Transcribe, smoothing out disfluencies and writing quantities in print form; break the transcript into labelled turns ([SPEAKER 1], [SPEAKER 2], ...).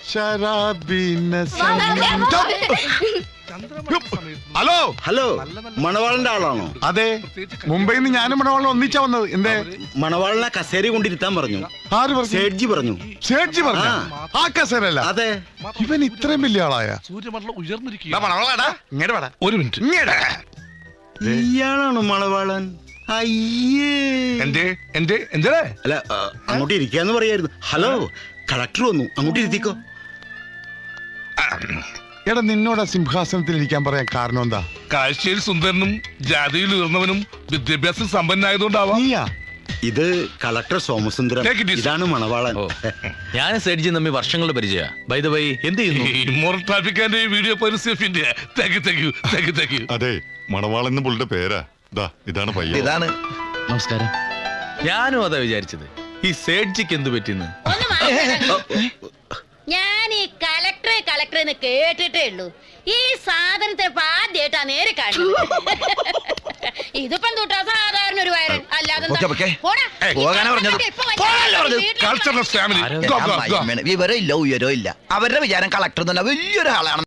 [SPEAKER 1] Hello
[SPEAKER 2] hello, മണവാളന്റെ ആളാണോ?
[SPEAKER 1] അതെ, മുംബൈയിൽ നിന്ന് ഞാനും മണവാളനും ഒന്നിച്ചാ വന്നത്. എന്തേ?
[SPEAKER 2] മണവാളനെ കസേര കൊണ്ടിരുത്താൻ പറഞ്ഞു.
[SPEAKER 1] ആര് പറഞ്ഞു?
[SPEAKER 2] സേഠ്ജി പറഞ്ഞു.
[SPEAKER 1] സേഠ്ജി പറഞ്ഞു? ആ കസേരല്ല.
[SPEAKER 2] അതെ.
[SPEAKER 1] ഇവൻ ഇത്രയും വലിയ ആളായ?
[SPEAKER 3] സൂര്യമണ്ഡലം ഉയർന്നിരിക്കുക.
[SPEAKER 1] ഒരു മിനിറ്റ്.
[SPEAKER 2] ഇയാളാണോ മണവാളൻ? അയ്യേ,
[SPEAKER 1] അല്ല,
[SPEAKER 2] അങ്ങോട്ട് ഇരിക്കാന്ന് പറയായിരുന്നു. ഹലോ, കളക്ടർ വന്നു, അങ്ങോട്ട് ഇരുത്തിക്കോ.
[SPEAKER 1] എടാ, നിന്നോട് സിംഹാസനത്തിൽ ഇരിക്കാൻ പറയാൻ കാരണം എന്താ?
[SPEAKER 3] കാഴ്ചയിൽ സുന്ദരനും ജാതിയിൽ ഉയർന്നവനും വിദ്യാഭ്യാസം സമ്പന്നായതുകൊണ്ടാവാം.
[SPEAKER 2] ഇത് കളക്ടർ സോമസുന്ദരം, ഇതാണ് മണവാളൻ.
[SPEAKER 4] ഞാൻ സേഠ്ജി തമ്മിൽ വർഷങ്ങളുടെ പരിചയ. ബൈ ദ വൈ, എന്ത് ചെയ്യുന്നു?
[SPEAKER 3] ഇമ്മോറൽ ട്രാഫിക്കാന്റെ വീഡിയോ പരസ്യത്തിന്റെ.
[SPEAKER 5] അതെ, മണവാളൻ പുള്ളിയുടെ പേരാ. ഇതാണ് പയ്യൻ.
[SPEAKER 4] ഇതാണ്. നമസ്കാരം. ഞാനും അതാ വിചാരിച്ചത്, ഈ സേഠ്ജിക്ക് എന്ത് പറ്റിന്ന്.
[SPEAKER 6] ഞാൻ ഈ കളക്ടർ എന്ന് കേട്ടിട്ടേ ഉള്ളൂ. ഈ സാധനത്തെ ആദ്യമായിട്ടാ നേരെ കാണുന്നത്. ഇതിപ്പം തൊട്ടാ സാധാരണ ഒരു വയറൻ, അല്ലാതെ
[SPEAKER 7] വിവരം ഇല്ല, ഉയരോ ഇല്ല. അവരുടെ വിചാരം കളക്ടർ വലിയൊരാളാണ്.